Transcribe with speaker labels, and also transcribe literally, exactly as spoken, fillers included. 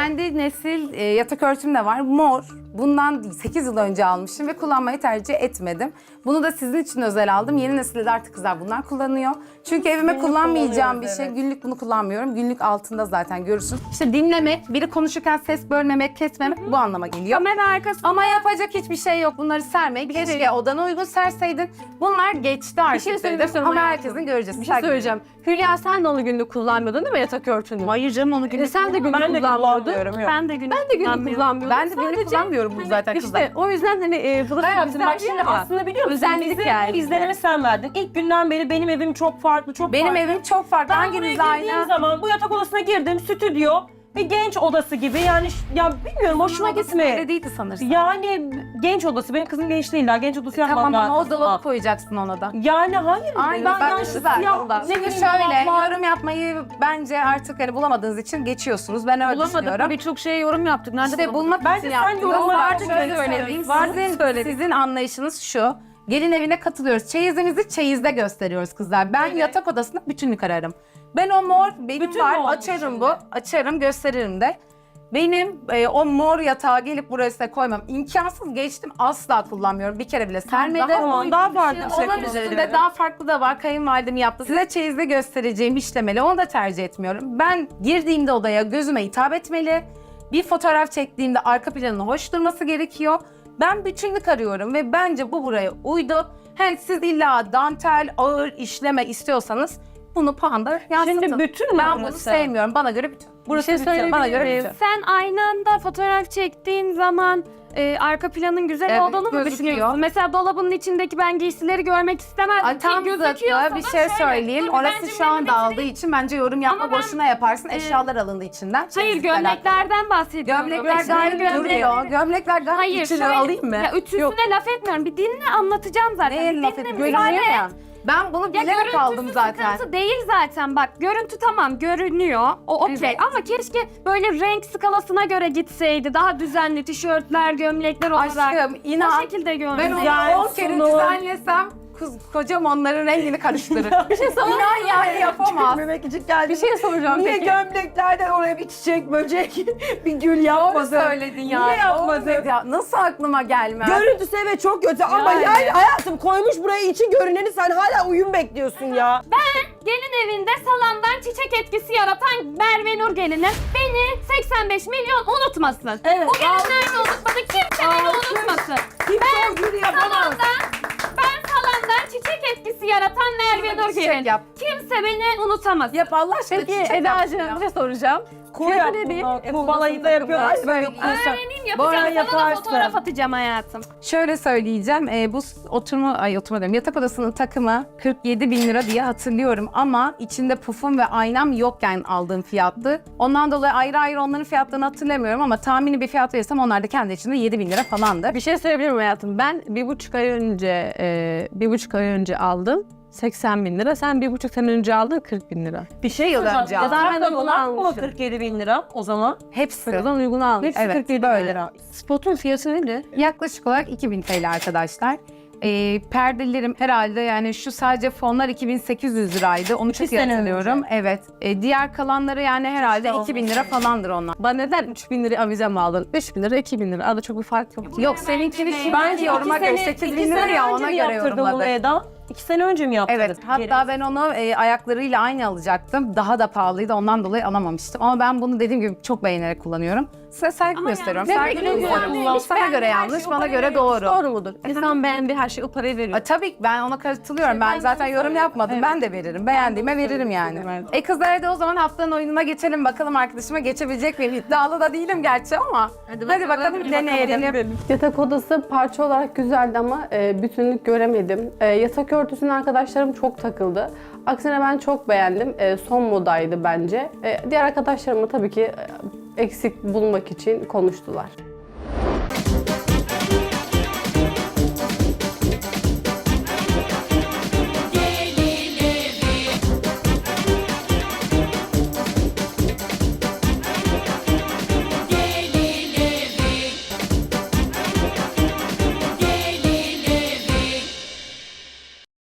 Speaker 1: kendi nesil e, yatak örtüm de var. Mor. Bundan sekiz yıl önce almışım ve kullanmayı tercih etmedim. Bunu da sizin için özel aldım. Yeni nesilde de artık kızlar bunlar kullanıyor. Çünkü evime
Speaker 2: Günlük
Speaker 1: kullanmayacağım bir
Speaker 2: kullanıyoruz,
Speaker 1: şey.
Speaker 2: evet.
Speaker 1: Günlük bunu kullanmıyorum. Günlük altında zaten görürsün. İşte dinlemek, biri konuşurken ses bölmemek, kesmemek bu anlama geliyor.
Speaker 3: Kamera arkası.
Speaker 1: Ama yapacak hiçbir şey yok. Bunları sermeyi keşke odana uygun serseydin. Bunlar geçti artık.
Speaker 3: şey söylemek
Speaker 1: dedim.
Speaker 3: istiyorum
Speaker 1: Ama
Speaker 3: hayatım.
Speaker 1: herkesin göreceğiz.
Speaker 3: Bir şey söyleyeceğim. Hülya sen de onu günlük kullanmıyordun değil mi yatak örtünü?
Speaker 1: Hayır canım onu günlük
Speaker 3: E sen de günlük
Speaker 2: Ben de
Speaker 3: kullanmıyordun.
Speaker 2: kullanmıyorum, yok.
Speaker 3: Ben de günlük, ben de günlük kullanmıyordum.
Speaker 1: Ben de günlük kullanmıyorum bunu zaten kızlar.
Speaker 3: İşte o yüzden hani e, bu da
Speaker 2: Hayatım bak şimdi
Speaker 3: ya.
Speaker 2: aslında biliyor musun?
Speaker 3: Özellik
Speaker 2: Bizi,
Speaker 3: yani.
Speaker 2: Bizlerime sen verdin. İlk günden beri benim evim çok farklı, çok
Speaker 1: Benim
Speaker 2: farklı.
Speaker 1: evim çok farklı.
Speaker 2: Ben buraya
Speaker 1: Hanginizle
Speaker 2: girdiğim
Speaker 1: aynı?
Speaker 2: zaman bu yatak odasına girdim, stüdyo ve genç odası gibi yani ş- ya bilmiyorum hoşuma
Speaker 1: Öyle
Speaker 2: gitmedi.
Speaker 1: değildi sanırsın.
Speaker 2: Yani genç odası, benim kızım genç değil daha genç odası yapmam
Speaker 1: Tamam ama o
Speaker 2: lazım.
Speaker 1: dolabı koyacaksın ona da.
Speaker 2: Yani hayır.
Speaker 1: Aynen
Speaker 2: ben
Speaker 1: ben
Speaker 2: yani
Speaker 1: de
Speaker 2: şu
Speaker 1: güzel.
Speaker 2: siyah, ne
Speaker 1: Şimdi
Speaker 2: bileyim,
Speaker 1: şöyle
Speaker 2: dolaplar-
Speaker 1: yorum yapmayı bence artık hani bulamadığınız için geçiyorsunuz. Ben öyle
Speaker 3: Bulamadık
Speaker 1: düşünüyorum.
Speaker 3: birçok şeye yorum yaptık. Nerede
Speaker 1: İşte
Speaker 3: bulamadık?
Speaker 1: bulmak
Speaker 2: Bence
Speaker 1: için
Speaker 2: sen
Speaker 1: yaptınız.
Speaker 2: yorumlar
Speaker 1: Vardı
Speaker 2: şöyle
Speaker 1: şöyle
Speaker 2: söyle.
Speaker 1: söyleyeyim.
Speaker 2: Vardı
Speaker 1: Sizin,
Speaker 3: söyle.
Speaker 1: sizin anlayışınız şu. Gelin evine katılıyoruz. Çeyizimizi çeyizde gösteriyoruz kızlar. Ben yatak odasında bütünlük ararım. Ben o mor benim
Speaker 2: Bütün
Speaker 1: var.
Speaker 2: mü olmuş
Speaker 1: Açarım
Speaker 2: şimdi?
Speaker 1: bu. Açarım gösteririm de. Benim e, o mor yatağı gelip buraya size koymam. İmkansız geçtim. Asla kullanmıyorum. Bir kere bile sermedim.
Speaker 2: Tamam, daha farklı bir şey
Speaker 1: Onun
Speaker 2: kullanabilirim.
Speaker 1: üstünde daha farklı da var. Kayınvalidem yaptı. Size çeyizde göstereceğim işlemeli. Onu da tercih etmiyorum. Ben girdiğimde odaya gözüme hitap etmeli. Bir fotoğraf çektiğimde arka planının hoş durması gerekiyor. Ben bütünlük arıyorum ve bence bu buraya uydu. Hani siz illa dantel, ağır işleme istiyorsanız bunu puanda yansıtın.
Speaker 2: Şimdi bütün mü
Speaker 1: ben bunu
Speaker 2: burası?
Speaker 1: sevmiyorum. Bana göre bütün.
Speaker 2: Burası
Speaker 3: şey
Speaker 2: bütün.
Speaker 3: söyleyebilir
Speaker 1: Bana göre
Speaker 3: miyim?
Speaker 1: bütün.
Speaker 3: Sen aynı anda fotoğraf çektiğin zaman e, arka planın güzel
Speaker 1: Evet,
Speaker 3: olduğunu mu
Speaker 1: gözüküyor.
Speaker 3: düşünüyorsun? Mesela dolabın içindeki ben giysileri görmek istemezdim.
Speaker 1: Ay, tam zıttı bir şey söyleyeyim. Orası şu anda aldığı için bence yorum yapma
Speaker 3: Ama ben,
Speaker 1: boşuna yaparsın.
Speaker 3: e,
Speaker 1: Eşyalar alındı içinden.
Speaker 3: Hayır
Speaker 1: Çeyizlikle alakalı.
Speaker 3: gömleklerden bahsediyorum.
Speaker 1: Gömlekler
Speaker 3: Mesela
Speaker 1: gayet
Speaker 3: gömlek-
Speaker 1: duruyor. Gömlekler gayet
Speaker 3: Hayır
Speaker 1: içine
Speaker 3: şöyle,
Speaker 1: alayım mı?
Speaker 3: Ya ütüsüne laf etmiyorum. Bir dinle anlatacağım zaten.
Speaker 1: Neye
Speaker 3: Bir
Speaker 1: laf
Speaker 3: dinle,
Speaker 1: edip
Speaker 3: müsaade
Speaker 1: görünüyor
Speaker 3: et.
Speaker 1: ya. Ben bunu
Speaker 3: Ya
Speaker 1: bilerek
Speaker 3: görüntüsü
Speaker 1: aldım zaten.
Speaker 3: sıkıntı değil zaten bak görüntü tamam görünüyor o okey
Speaker 1: Evet.
Speaker 3: ama keşke böyle renk skalasına göre gitseydi daha düzenli tişörtler gömlekler olarak
Speaker 1: Aşkım
Speaker 3: o
Speaker 1: inan
Speaker 3: şekilde
Speaker 1: ben
Speaker 3: görünüyor.
Speaker 1: onu
Speaker 2: Ya
Speaker 1: on kere
Speaker 2: Sunu.
Speaker 1: düzenlesem kız, kocam onların rengini karıştırır. Bir şey İnan yani yapamaz.
Speaker 2: Memekicik geldi.
Speaker 1: Bir şey soracağım
Speaker 2: Niye
Speaker 1: peki.
Speaker 2: gömleklerden oraya bir çiçek, böcek, bir gül
Speaker 1: Doğru
Speaker 2: yapmadın?
Speaker 1: söyledin ya.
Speaker 2: Niye yapmadın?
Speaker 1: Olmadı ya. Nasıl aklıma gelmez?
Speaker 2: Görüntüsü evet çok kötü ama
Speaker 1: Yani.
Speaker 2: yani hayatım koymuş buraya içi görüneni sen hala uyum bekliyorsun ya.
Speaker 3: Gelin evinde salamdan çiçek etkisi yaratan Merve Nur gelini beni seksen beş milyon unutmasın.
Speaker 2: Evet.
Speaker 3: Bu gelinler de unutmadı kimse beni unutmasın.
Speaker 2: Kimse o gülü yapamaz.
Speaker 3: Salamdan, ben salamdan çiçek etkisi yaratan Merve Nur
Speaker 1: çiçek
Speaker 3: gelini.
Speaker 1: yap.
Speaker 3: Kimse beni unutamaz.
Speaker 1: Yap Allah aşkına
Speaker 3: Peki
Speaker 1: çiçek yap
Speaker 3: Eda'cığım
Speaker 1: ya.
Speaker 3: bir şey soracağım.
Speaker 2: Koy
Speaker 3: Fiyatı
Speaker 2: yap
Speaker 3: ne diyeyim?
Speaker 2: bunu. Bu balayında yapıyorlar.
Speaker 1: Böyle
Speaker 2: Böyle
Speaker 1: yapıyorsun.
Speaker 3: Öğreneyim
Speaker 2: Bu ara
Speaker 3: yapacağım. Sana da
Speaker 2: yaparsın.
Speaker 3: fotoğraf atacağım hayatım.
Speaker 1: Şöyle söyleyeceğim, e, bu s- oturma, ay oturma diyorum, yatak odasının takımı kırk yedi bin lira diye hatırlıyorum ama içinde pufum ve aynam yokken aldığım fiyattı. Ondan dolayı ayrı ayrı onların fiyatlarını hatırlamıyorum ama tahmini bir fiyat verirsem onlar da kendi içinde yedi bin lira falandı.
Speaker 3: Bir şey söyleyebilir miyim hayatım? Ben bir buçuk ay önce, e, bir buçuk ay önce aldım. seksen bin lira. Sen bir buçuk sene önce aldın kırk bin lira.
Speaker 1: Bir şey yıl önce
Speaker 3: Ya
Speaker 1: aldım.
Speaker 3: da ben de
Speaker 2: Takımlar
Speaker 3: bunu
Speaker 2: mı
Speaker 3: almışım.
Speaker 2: kırk yedi bin lira o zaman?
Speaker 1: Hepsi.
Speaker 3: Sıradan uygun almış.
Speaker 2: Hepsi
Speaker 1: Evet,
Speaker 2: kırk yedi bin
Speaker 1: böyle.
Speaker 2: lira.
Speaker 3: Spotun fiyatı nedir?
Speaker 1: Yaklaşık olarak iki bin T L arkadaşlar. E, perdelerim herhalde yani şu sadece fonlar iki bin sekiz yüz liraydı. Onu çok iyi
Speaker 2: sene
Speaker 1: hatırlıyorum. Evet. E, diğer kalanları yani herhalde
Speaker 2: İşte
Speaker 1: iki bin lira falandır onlar.
Speaker 3: Bana neden üç bin lira avize mi aldın? üç bin lira, iki bin lira. Arada çok bir fark yok.
Speaker 1: Yok seninkini şimdi
Speaker 2: Bence
Speaker 1: yoruma
Speaker 2: iki
Speaker 1: göre
Speaker 2: sene-
Speaker 1: sekiz
Speaker 2: iki
Speaker 1: bin lira
Speaker 2: sene
Speaker 1: ya
Speaker 2: önce
Speaker 1: ona
Speaker 2: mi
Speaker 1: göre
Speaker 2: yaptırdın bunu
Speaker 1: yorumladık.
Speaker 2: Eda? İki sene önce mi yaptırdın?
Speaker 1: Evet, hatta ben onu e, ayaklarıyla aynı alacaktım. Daha da pahalıydı, ondan dolayı alamamıştım. Ama ben bunu dediğim gibi çok beğenerek kullanıyorum. Size saygı
Speaker 3: Ama
Speaker 1: gösteriyorum.
Speaker 3: yani-
Speaker 1: Saygı
Speaker 3: Ne peki,
Speaker 1: duyuyorum.
Speaker 3: yani
Speaker 1: Sana göre yanlış, bana göre doğru.
Speaker 3: Doğru mudur? İnsan beğendiği her şeyi o parayı veriyor.
Speaker 1: A, tabii ki ben ona katılıyorum. Ben zaten yorum yapmadım. Ben de veririm. Beğendiğime veririm yani.
Speaker 3: Evet.
Speaker 1: E kızlar hadi o zaman haftanın oyununa geçelim. Bakalım arkadaşıma geçebilecek miyim? İddialı da değilim gerçi ama. Hadi bakalım, deneyelim.
Speaker 4: Yatak odası parça olarak güzeldi ama e, bütünlük göremedim. E, yatak örtüsüne arkadaşlarım çok takıldı. Aksine ben çok beğendim. E, son modaydı bence. E, diğer arkadaşlarımı tabii ki e, eksik bulmak için konuştular.